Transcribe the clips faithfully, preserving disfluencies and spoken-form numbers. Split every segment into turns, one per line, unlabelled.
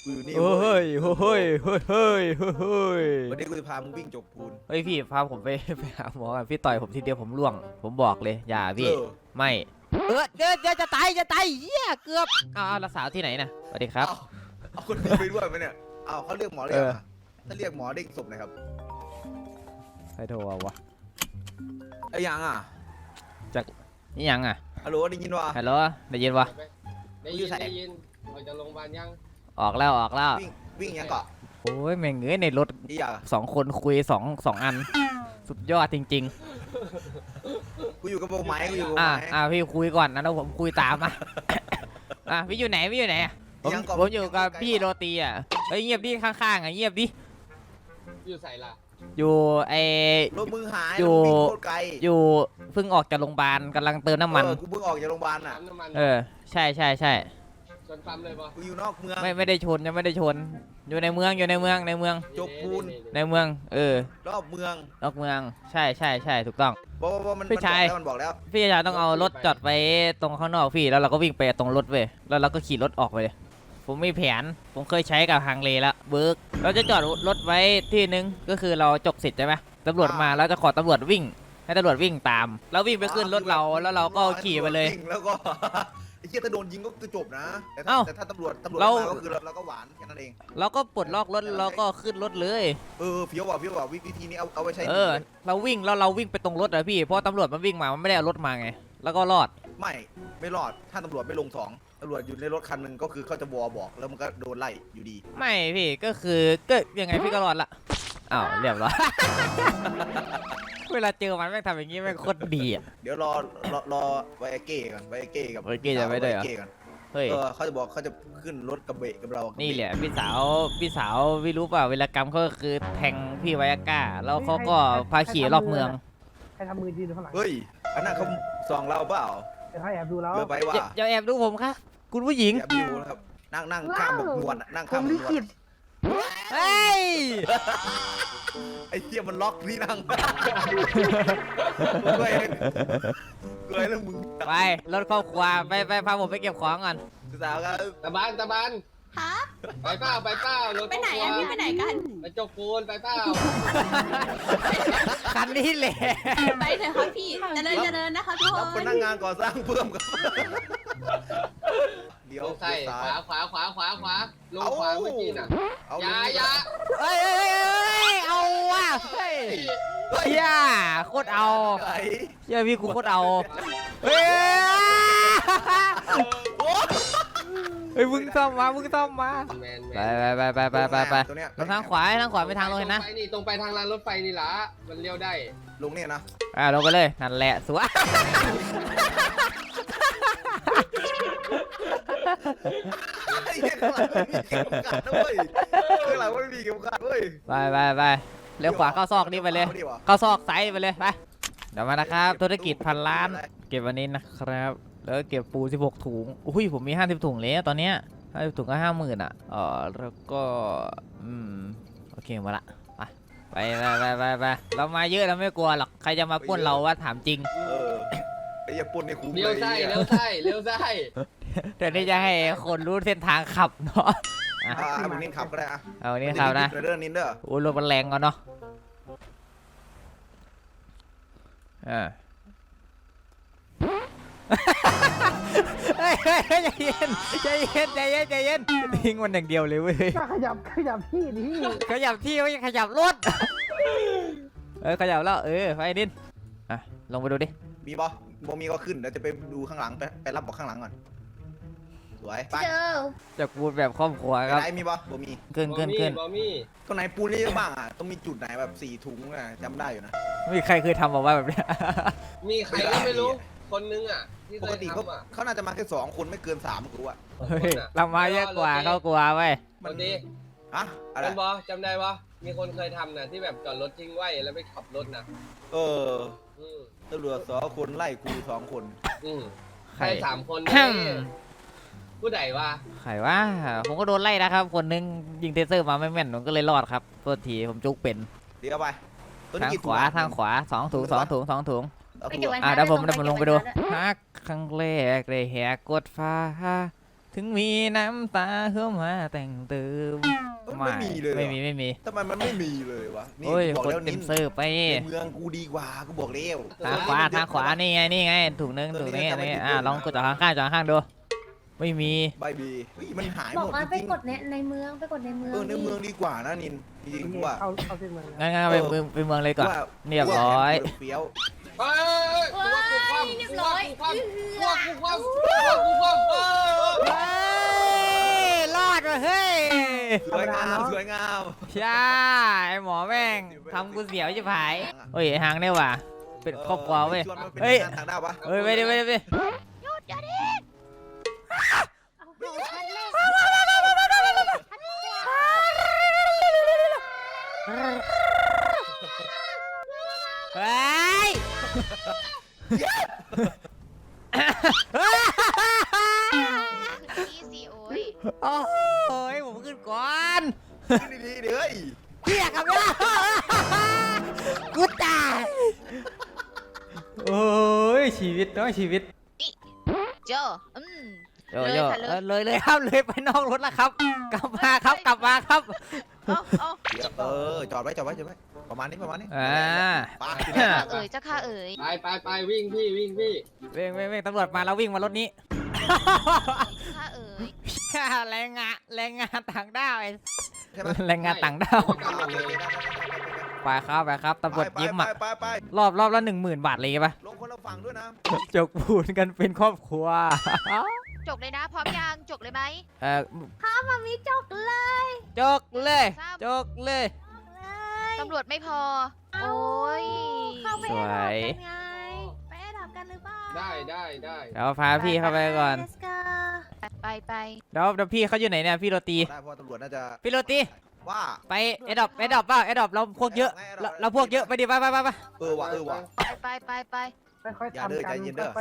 กูอยู่นี่
เฮ้ยเฮ้ยเฮ้ยเฮ้ยเฮ้ยเฮ้ย
วันนี้กูจะพามึงวิ่งจกปูน
เฮ้ยพี่พาผมไปไปหาหมอกันพี่ต่อยผมทีเดียวผมร่วงผมบอกเลยอย่าพี่ไม่เออเดี๋ยวเดี๋ยวจะตายจะตายเหี้ยเกือบอ้าวแล้วสาวที่ไหนนะสวัสดีครับ
เอาคนนี้ไปด้วยไหมเนี่ยเอาเขาเรียกหมอเลยถ้าเรียกหมอเด้งศพหน่อยครับ
ใครโทรวะ
ไอ้ยังอ่ะ
จากนี่ยังอ่ะ
ฮัลโหลได้ยินวะ
ฮัลโหลได้ยินวะ
ได้ยินได้ยินออกจากโรงพยาบาลยัง
ออกแล้วออกแล้ว
วิ่งวิ่งยังเกาะ
โอ้ยแม่งเอ้ยในรถ
อีอยาก
สองคนคุยสองสองอันสุดยอดจริง
กูอยู่กับโบไม้กูอยู่กับ
ๆ
โบ
อ่ะ
ไม้
อ่ะพี่คุยก่อนนะแล้วผมคุยตามอ่ะ อ่ะพี่อยู่ไหนพี่อยู่ไหนผมผมอยู่กับพี่โรตีอ่ะเฮ้ยเงียบดิข้างๆอ่ะเงียบดิ
อยู่ใส่ละ
อยู่ไอ
รถมึงหาย
อยู่
วิ่งโคตรไกล
อยู่เพิ่งออกจากโรงพยาบาลกำลังเติมน้ำมัน
เออกูเพิ่งออกจากโรงพยาบาลอ่ะ
ปั๊มน้ำมัน
เออใช่ใช่ใช่
ชนปั๊มเลยปะ
กูอยู่นอกเมือง
ไม่ไม่ได้ชนยังไม่ได้ชน อยู่ในเมืองอยู่ในเมืองในเมือง
จกปูน
ในเมือง เออ
รอบเมือง
นอกเมืองใช่ใช่ใช่ถูกต้อง
บอกว่ามัน
พี่ชาย
มันบอกแล้ว
พี่ชายต้องเอารถจอดไปตรงข้างนอกพี่แล้วเราก็วิ่งไปตรงรถเว้ยแล้วเราก็ขี่รถออกไปเลยผมมีแผนผมเคยใช้กับฮังเลแล้วเบิร์กเราจะจอดรถไว้ที่นึงก็คือเราจกสิทธิ์ใช่ไหมตำรวจมาแล้วจะขอตำรวจวิ่งให้ตำรวจวิ่งตามแล้ววิ่งไปขึ้นรถเราแล้วเราก็ขี่ไปเลย
วิ่งแล้วก็ ไอ้เหี้ยถ้าโดนยิงก็คือจบนะแต่ถ้า
เอ้า
แต่ถ้าตำรวจตำรวจ
เรา
มาก็คือเราเราก็หวานแค่นั้นเอง
เราก็ปลดล็อกรถแล้วก็ขึ้นรถเลย
เออเฟี้ยวว่ะเฟี้ยวว่ะวิธีนี้เอาเอาไว้ใช้
เออเราวิ่งแล้วเราวิ่งไปตรงรถอะพี่เพราะตำรวจมันวิ่งมามันไม่ได้เอารถมาไงแล้วก็รอด
ไม่ไม่รอดถ้าตำรวจไม่ลงสองตำรวจอยู่ในรถคันหนึ่งก็คือเขาจะวอบอกแล้วมันก็โดนไล่อยู่ดี
ไม่พี่ก็คือก็ยังไงพี่ก็รอดละอ้าวเรียบร้อย เวลาเจอมันแม่งทำอย่างงี้แม่งโคตรดีอ่ะ
เดี๋ยวรอรอรอไวอาเก้ก่อนไวอาเก้กับ
ไวอาเก้จะไม่ได้เหรอ
วอาเก้ก่อน
เฮ้ย
เออเขาจะบอกเขาจะขึ้นรถกระเบะกับเรา
นี่
นี่
แหละพี่สาวพี่สาวพี่รู้เปล่าเวลากรรมเขาก็คือแทงพี่ไวอาก้าแล้วเขาก็พาขี่รอบเมือง
ใครทำมือยืนอยู่ข้างหลัง
เฮ้ยอันนั้นเขาส่องเราเปล่า
เดี๋ยวให้แอบดูแล้ว
เยอะไปว่า
อย่าอย่าแอบดูผมค่ะคุณผู้หญิง
แอบอยู่นะครับนั่งนั่งข้ามแบบนวลอะนั่งข้ามแบบนวล
เฮ้ย
ไอ้เหี้ยมันล็อกที่นั่งเฮ้ยเฮ้ยแล้วมึง
ไปรถครอบครัวไปไปพาผมไปเก็บของก่อน
สาวครับ
ตะบานตะบาน
ฮะ
ไปเปล่าไปเปล่ารถ
ไปไหนอะพี่ไปไหนกัน
ไปจกปูนไปเปล่า
คันนี้แหละ
ไปเถอะครับพี่เจริญเจริญนะคะทุกค
รับพ
น
นักงานก่อสร้างเพิ่มครับเดี๋ยว
ลงใส่
เดี๋ยว
ข
ซ้ายว
าขวาขวาขวาขวาลงขวาเมื่อกี้น่ะ
เอา
อย่าอย่า
เฮ้ยเฮ้ยเฮ้ยเอาว่ะเฮ้ยเฮียโคตรเอา
ไอ้
เฮียพี่กูโคตรเอาเฮ้ยเฮ้ยมึงซ่อมมามึงซ่อมมา
แมนแม
ไป
น
ไปไปไปไปไป
ตัวเนี้ย
ลงทางขวาทางขวาไปทางลงเห็นนะ
ตรงไปนี่ตรงไปทางรางรถไฟนี่ละมันเลี้ยวได้
ลงเนี่ยนะ
อ่าลงไปเลยนั่นแหละสวย
ไอ้เหี้ยข้างหลังไม่มีเข็มขัดด้วยข้างหลังไม่มีเข็มขัดด้วย
ไปไปไปเลี้ยวขวาเข้าซอกนี่ไปเลย
อาดิวะ
เข้าซอกไซส์ไปเลยไปเดี๋ยวมานะครับธุรกิจพันล้าน เก็บวันนี้นะครับแล้วก็เก็บปูสิบหกถุงอุ้ยผมมีห้าสิบถุงแล้วตอนเนี้ยห้าสิบถุงก็ห้าหมื่นอ่ะเออแล้วก็อืมโอเคหมาละไปไปไปไปไปเรามาเยอะเราไม่กลัวหรอกใครจะมาปล้นเราว่าถามจริง
เออไอ้เหี้ยปนในคุ้ม
เลี้ยว
เลย
ไส้
ไอ้
เลี้
เหี้
ย
ยว
ไส้เลี้ยวไส้
แต่นี่จะให้คนรู้เส้นทางขับเนาะ
อ่าเอาเป็นนินขับก็ได้อะ
เอานี่ครับนะ
เรื่องนินเด้อ
โอ้รถมันแรงก่อนเนาะอ่าเฮ้ยเฮ้ยใจเย็นใจเย็นใจเย็นใจเย็นทิ้งมันอย่างเดียวเลยเว้ย
ก็ขยับขยับที่ดิ
ขยับที่ไม่ขยับรถเออขยับแล้วเออไปดินอ่ะลงไปดูดิ
มีบอบ่มีก็ขึ้นเดี๋ยวจะไปดูข้างหลังไปไปรับบอกข้างหลังก่อนสวยไป
เจอ
จากปูนแบบครอบครัวครับ
ไหนมีบอบ่มี
ขึ้นขึ้นขึ้น
บอมี่
ตรงไหนปูนนี่เยอะบ้างอ่ะต้องมีจุดไหนแบบสี่ถุงอ่ะจำได้อยู่นะ
ไม่มีใครเคยทำบอกว่าแบบเนี้ย
มีใครก็ไม่รู้คนนึงอ่ะที่
ป
เค
ก
ย
ติเขา
ทำอ่ะ
เขาน่าจะมาแค่สองคนไม่เกินสามกูอ่ะ
เฮ้ยเรามาเยอะกว่าเขากลัวเว้ย
คนดี
อะอะไร
เป็นบอจำได้ปะมีคนเคยทำนะที่แบบจอดรถทิ้งไว้แล้วไปขับรถนะ
เออ
อืม
ตำรวจสองคนไล่กูสองคน
อืม
ใคร
ใครสามคน
อืม
ผู้ใดวะ
ใครว่าผมก็โดนไล่นะครับ คนนึงยิงเทเซอร์มาไม่แม่นผมก็เลยรอดครับโทษทีผมจุกเป็น
เดี๋ยวไปตัว
ทาง
นี้กี่
ขวา
ถุงอะ
ทางขวาสองถุงสองถุงสองถุง
เอา
ไป
ถุง
เก็บไว้
อ่ะเดี๋ยวผมเดี๋ยวผมลงไปดูฮักครั้งแรกเลยแหกกดฟ้าถึงมีน้ำตาเข้ามาแต่งเติม
ไม่มีเลย
ไม่มีไม่มี
ทำไมมันไม่มีเลยวะนี่
โอ้ย
บอก
คน
แล้ว
เต็
นิ
ม
น
เซิร์ฟไป
ในเมืองกูดีกว่ากูบอกแล้ว
ทางขวาทางขวานี่ไงนี่ไงถุงนึงถุงนี้อันนี้อ่ะลองกดจากข้างๆจากข้างๆดูไม่มี
ใบบีเฮ้ยมันหายห
บอ
ม
ก
ด
ว่า
จ
ไป
ริง
กดในในเมืองไปกดในเมื
ๆ
อง
เออในเมืองดีกว่านะนินจริงๆกูว่า
เข้าเข้าเส้นเมืองแล้ว
งั้นงั้นไปเมืองไปเมืองเลยก่อน
ว่า
เรียบร้อย
เฟี้ยว
เฮ้ยตัวกูคว่ำ
เรียบร้อย
ตัวกูคว่ำตัวกูคว่ำตัวกูคว่ำเออ
เฮ้ยรอดว่ะเฮ้ย
สวยงามสวยงาม
ใช่ไอ้หมอแม่งทำกูเสียวจะผายเฮ้ยไอ้หางเนี่ยว่ะเป็นครอบครัวเว้ย
ชวนมันเป็น
เฮ้ย
งานทางด้าวปะ
เฮ้ยไปดิไปดิไปดิ เฮ้ย
นี่สิโอ้ย
โอ้ยผมขึ้นก่อน
ขึ้นดีๆเดี๋ยวเฮ้ย
เพี้ยกับเนี่ยกูตายโอ้ยชีวิตน้อยชีวิต
โจอืม
โย
เลย
โย่
ค่ะเลย
เออเลยเลยครับเลยไปนอกรถแล้วครับ กลับมาครับกลับมาครับ
เอาเอา
เดี๋ยวเออจอดไว้จอดไว้จอดไว้ประมาณนี้ประมาณนี้
อ่า
ไป
เอ๋ยเจ้าค่ะเอ๋ย
ไปไปไปวิ่งพี่วิ่งพี่
เว้งเว้งเว้งตำรวจมาแล้ววิ่งมารถนี้
ค่ะเอ๋ย
แรงงานแรงงานต่างด้าวไอ้
ใช่ไหม
แรงงานต่างด้าว
โอเคโอเคได้ได้ได้ได้
ไปครับไปครับตำรวจ
ไป
ยิ้ม
ไป
อ่ะ
ไปไป
รอบรอบละหนึ่งหมื่นบาทเลยปะ
ลงคนละฝั่งด้วยนะ
จกปูนกันเป็นครอบครัว
จกเลยนะพร้อมยังจกเลยไหม
เออ
มามีจกเลย
จกเลยจกเลย
ตำรวจไม่พอ โอ้ย
เข้าไป
สวย
ไงไปแอดดับกันหรือเปล่า
ได้ได้ได้
เดี๋ยวพาพี่เข้าไปก่อน
Let's go
ไปไป
เดี๋ยวเดี๋ยวพี่เขาอยู่ไหนเนี่ยพี่โรตี
ได้เพราะตำรวจน่าจะ
พี่โรตี
ว่า
ไปเอดอปเอดอปเปล่าเอดอปเราพวกเยอะเราเราพวกเยอะไปดิไปไปไปไป
เออว่ะเออว่ะ
ไปไปไปไป
ค่อย
อย่า
ๆ
เด้อ
ทำกัน
ใจเย็นเด้อ
ค่อย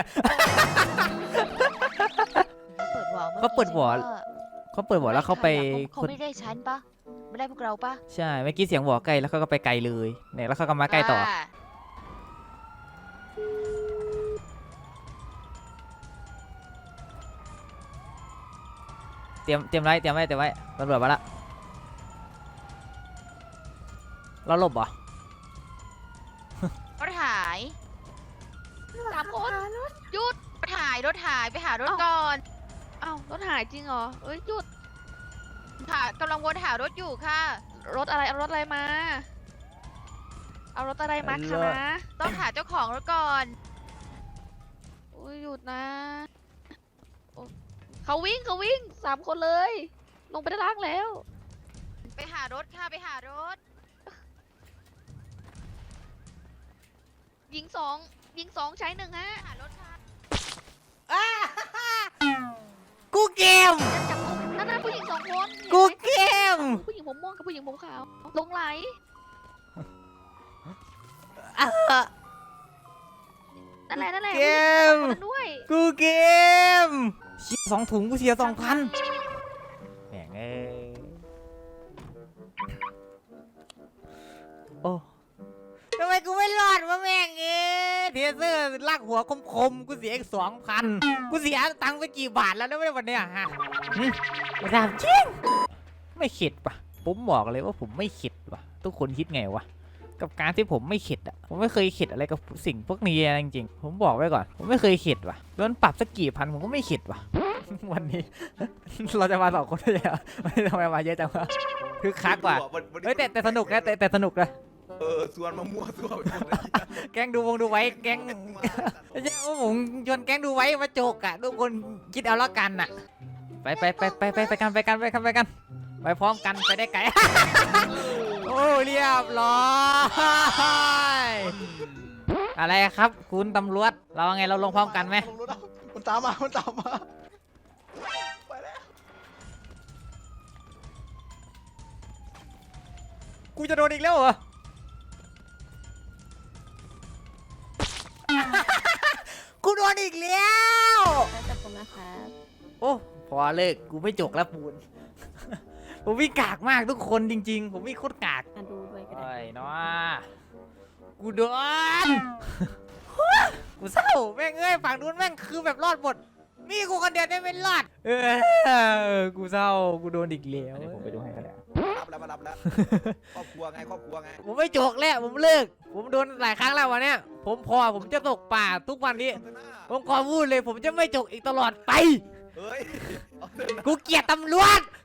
เปิดวอล
เขาเปิดวอลเขาเปิดหัวแล้วเขาไป
เขา
คน
ไม่ได้ฉันปะไม่ได้พวกเราปะ
ใช่เมื่อกี้เสียงหัวไกลแล้วเขาก็ไปไกลเลยเนี่ยแล้วเขาก็มาใกล้ต่อ
า
เตรียมเตรียมไว้เตรียมไว้เตรียมไว้ตำรวจมาละเราหลบเหรอ
รถหายสามคนหยุดรถหายรถหายไปหารถก่อน
อ้าวรถหายจริงเหรอเอ้ยหยุด
ค่ะกำลังวนหารถอยู่ค่ะ
รถอะไรเอารถอะไรมา เอารถอะไรมาคะนะ
ต้องหาเจ้าของรถก่อน
อุ้ยหยุดนะโอ้เขาวิ่งเขาวิ่งสามคนเลย ลงไปด้านล่างแล้ว
ไปหารถค่ะไปหารถ
ยิงสองยิงสองใช้หนึ่งฮะ
หารถค่ะ
กูเกม
จับกุมนั่นน่ะผู้หญิงสองคน
กู
เห็นไหม
เกม
ผู้หญิงผมม่วงกับผู้หญิงผมขาว ลงไหล
อ่ะ
นั่นแหละนั่นแหละ
เกม
ผู้หญิงสองคนนั้นด้วย
กูเกมเสียสองถุงกูเสียสองพันแหม่งเอ้ยโอ้ทำไมกูไม่รอดวะแม่งเอ้ยเทเซอร์ลากหัวคมๆกูเสียอีกสองพันกูเสียตังค์ไปกี่บาทแล้วนะวันเนี้ยฮะหึไม่ทราบจริงไม่เข็ดปะผมบอกเลยว่าผมไม่เข็ดปะทุกคนคิดไงวะกับการที่ผมไม่เข็ดอ่ะผมไม่เคยเข็ดอะไรกับสิ่งพวกนี้จริงๆผมบอกไว้ก่อนผมไม่เคยเข็ดว่ะโดนปรับสักกี่พันผมก็ไม่เข็ดว่ะ วันนี้ เราจะมาสองคนได้ยังไงทำไมมาเยอะจังวะคือคักว่ะเฮ้ยแต่แต่สนุกนะแต่แต่สนุกนะ
เออส่วนมามั่วส่วนไปหมดเลย
แก๊งดูวงดูไว้แก๊งไม่ใช่ว่าผมชวนแก๊งดูไว้มาโจกอ่ะทุกคนคิดเอาละกันอ่ะไปไปไปไปไปไปกันไปกันไปกันไปกันไปพร้อมกันไปได้ไกล โอ้เรียบร้อยอะไรครับคุณตำรวจเราไงเราลงพร้อมกันไหม
มันตามมามันตามมา
กูจะโดนอีกแล้วเหรอ กูโดนอีกแล้ว
แล้วแต่ผมนะครับ
โอ้พอเลิกกูไม่จกแล้วปูน ผมวิ่งกากมากทุกคนจริงๆ ผมวิ่งโคตรกาก
มาดูด้วยก็ได้
ไอ้เนาะกูโดน กูเศร้าแม่งเอ้ยฝั่งนู้นแม่งคือแบบรอดหมดมีกูคนเดียวได้ไม่รอดเออกูเศร้ากูโดนอีกแล้วผมไปดูให้กันแหละ
รับแล้วมารับแล้ว ครอบครัวไงครอบครัวไง
ผมไม่จกแล้วผมเลิกผมโดนหลายครั้งแล้ววันเนี้ยผมพอผมจะตกป่าทุกวันนี้ผมขอพูดเลยผมจะไม่จกอีกตลอดไป
เฮ้ยเอาเถอะนะ
กูเกลียดตำรวจ